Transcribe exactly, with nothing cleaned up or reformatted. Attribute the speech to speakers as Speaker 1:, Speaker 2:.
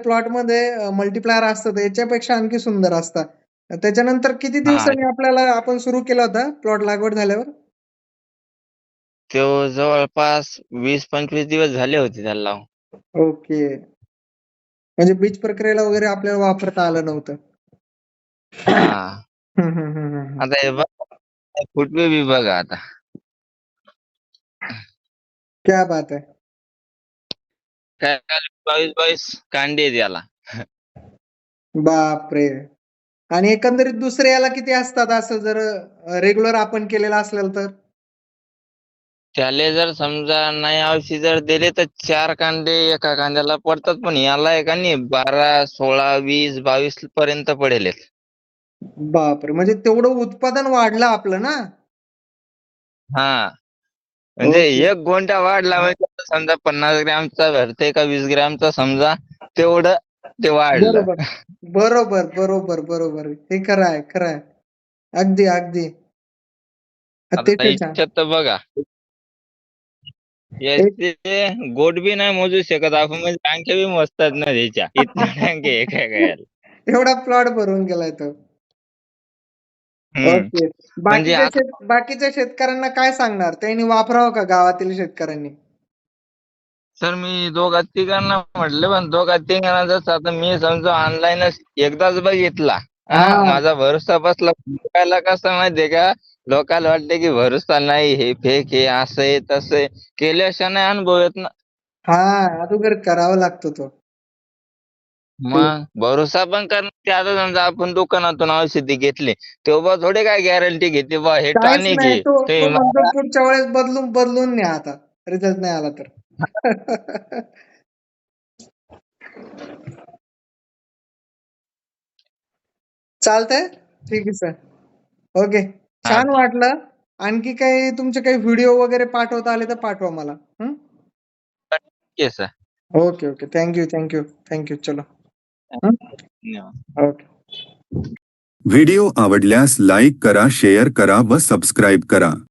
Speaker 1: प्लॉटमध्ये multiplier असतं याच्यापेक्षा आणखी सुंदर असतात. त्याच्यानंतर किती
Speaker 2: हां.
Speaker 1: दिवसांनी आपल्याला आपण सुरू केला होता प्लॉट लागवड झाल्यावर?
Speaker 2: तो जवळपास वीस पंचवीस दिवस झाले होते त्याला लावून.
Speaker 1: ओके. म्हणजे बीज प्रक्रियेला वगैरे आपल्याला वापरता आलं नव्हतं.
Speaker 2: हां.
Speaker 1: हं, हं, हं, हं, हं.
Speaker 2: आता हे बघा, फुटवे बी बघा आता.
Speaker 1: क्या बात है!
Speaker 2: काय बावीस बावीस कांडे आहेत याला.
Speaker 1: बापरे! आणि एकंदरीत दुसऱ्या याला किती असतात असं जर अ, रेग्युलर आपण केलेलं असेल तर?
Speaker 2: त्याले जर समजा नाही औषध जर दिले तर चार कांदे एका कांद्याला पडतात, पण याला आहे का नाही बारा, सोळा, वीस, बावीस पर्यंत पडेलेत.
Speaker 1: बापरे! म्हणजे तेवढं उत्पादन वाढलं आपलं ना?
Speaker 2: हां. म्हणजे
Speaker 1: ओके.
Speaker 2: एक गोंडा वाढला म्हणजे समजा पन्नास ग्रॅमचा भरते का वीस ग्रॅमचा समजा तेवढं ते वाढलं.
Speaker 1: बरोबर. बरोबर, बरोबर, बरोबर. हे खरं आहे, खरं आहे. अगदी, अगदी.
Speaker 2: आता
Speaker 1: अतिशय छान.
Speaker 2: ह्याच्यात तर बघा.
Speaker 1: एक
Speaker 2: याचे गोट बी नाही मोजू शकत आपण, म्हणजे टाक्या बी मोजतात ना त्याच्या. इतक्या टाक्या एका गयाला.
Speaker 1: एवढा प्लॉट भरून गेलाय तो.
Speaker 2: हं.
Speaker 1: ओके.
Speaker 2: म्हणजे
Speaker 1: बाकीच्या
Speaker 2: आता
Speaker 1: शेत बाकीच्या शेतकऱ्यांना काय सांगणार? त्यांनी वापरावं का गावातील शेतकऱ्यांनी?
Speaker 2: सर मी दोघा-तिघांना म्हटलं, पण दोघा-तिघांना जसं आता मी समजा ऑनलाईनच एकदाच बघितला. हां,
Speaker 1: हां.
Speaker 2: माझा भरोसा बसला. लोकाला कसं माहितीये का, लोकाला वाटतं की भरोसा नाही, हे फेक आहे, असं आहे, तसं आहे. केल्याशिवाय नाही अनुभव येत ना.
Speaker 1: हां, अगोदर करावा लागतो तो. ते
Speaker 2: मग भरोसा पण करणं ते आता समजा आपण दुकानातून औषधी घेतली, तेव्हा थोडी काय गॅरंटी घेते बा हे
Speaker 1: काहीच
Speaker 2: टॉनिक
Speaker 1: नाही.
Speaker 2: आहे.
Speaker 1: तो
Speaker 2: ते
Speaker 1: तो म्हणतो
Speaker 2: मला
Speaker 1: पुढच्या वेळेस बदलून बदलून न्या आता. रिझल्ट नाही आला तर. चालतंय? ठीक आहे सर. ओके.
Speaker 2: हां,
Speaker 1: छान वाटलं. आणखी काही तुमचे काही व्हिडिओ वगैरे पाठवता आले तर पाठवा मला. हं.
Speaker 2: ठीक आहे sir.
Speaker 1: Okay, okay. Thank you, thank you, thank you. चलो. हं.
Speaker 2: धन्यवाद.
Speaker 1: ओके.
Speaker 3: व्हिडिओ आवडल्यास लाईक करा, शेअर करा व सबस्क्राईब करा.